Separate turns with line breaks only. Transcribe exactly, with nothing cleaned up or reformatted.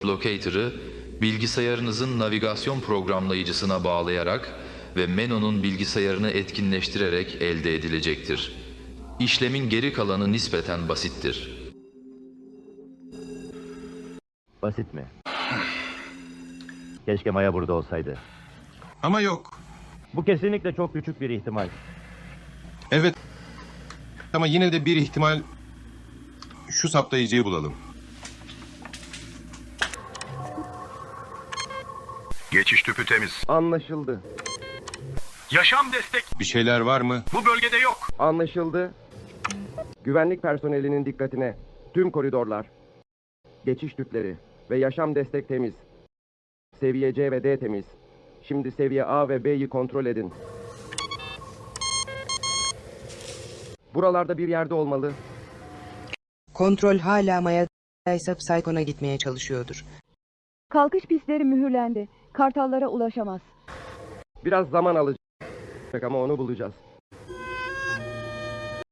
Locator'ı bilgisayarınızın navigasyon programlayıcısına bağlayarak ve Menon'un bilgisayarını etkinleştirerek elde edilecektir. İşlemin geri kalanı nispeten basittir.
Basit mi? Keşke Maya burada olsaydı.
Ama yok.
Bu kesinlikle çok küçük bir ihtimal.
Evet. Ama yine de bir ihtimal şu saptayıcıyı bulalım.
Geçiş tüpü temiz.
Anlaşıldı.
Yaşam destek
Bir şeyler var mı?
bu bölgede yok.
Anlaşıldı. Güvenlik personelinin dikkatine. Tüm koridorlar, geçiş tüpleri ve yaşam destek temiz. Seviye C ve D temiz. Şimdi seviye A ve B'yi kontrol edin. Buralarda bir yerde olmalı.
Kontrol hala Maya'daysa Psychon'a gitmeye çalışıyordur.
Kalkış pistleri mühürlendi. Kartallara ulaşamaz.
Biraz zaman alacak ama onu bulacağız.